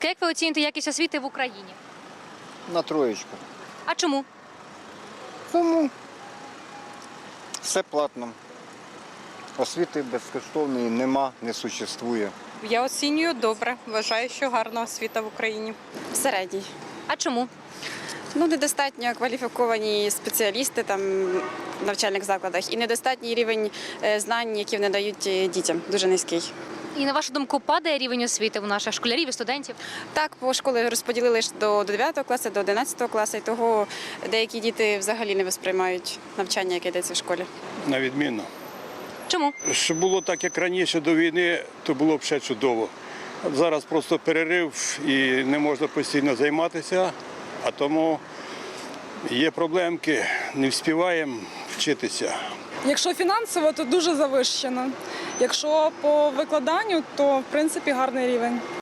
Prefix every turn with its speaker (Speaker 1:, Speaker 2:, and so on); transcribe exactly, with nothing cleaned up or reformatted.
Speaker 1: Як ви оціните якість освіти в Україні?
Speaker 2: На троєчку.
Speaker 1: А чому?
Speaker 2: Тому все платно. Освіти безкоштовної нема, не существує.
Speaker 3: Я оцінюю добре. Вважаю, що гарна освіта в Україні.
Speaker 4: Середній.
Speaker 1: А чому?
Speaker 4: Ну, недостатньо кваліфіковані спеціалісти там в навчальних закладах і недостатній рівень е, знань, які вони дають е, дітям, дуже низький.
Speaker 1: І на вашу думку, падає рівень освіти у наших школярів і студентів?
Speaker 4: Так, по школи розподілили ж до дев'ятого класу, до одинадцятого класу, і того деякі діти взагалі не восприймають навчання, яке йдеться в школі.
Speaker 5: На відмінно.
Speaker 1: Чому?
Speaker 5: Щоб було так, як раніше до війни, то було б ще чудово. Зараз просто перерив і не можна постійно займатися, а тому є проблемки, не встигаємо вчитися.
Speaker 6: Якщо фінансово, то дуже завищено. Якщо по викладанню, то в принципі гарний рівень.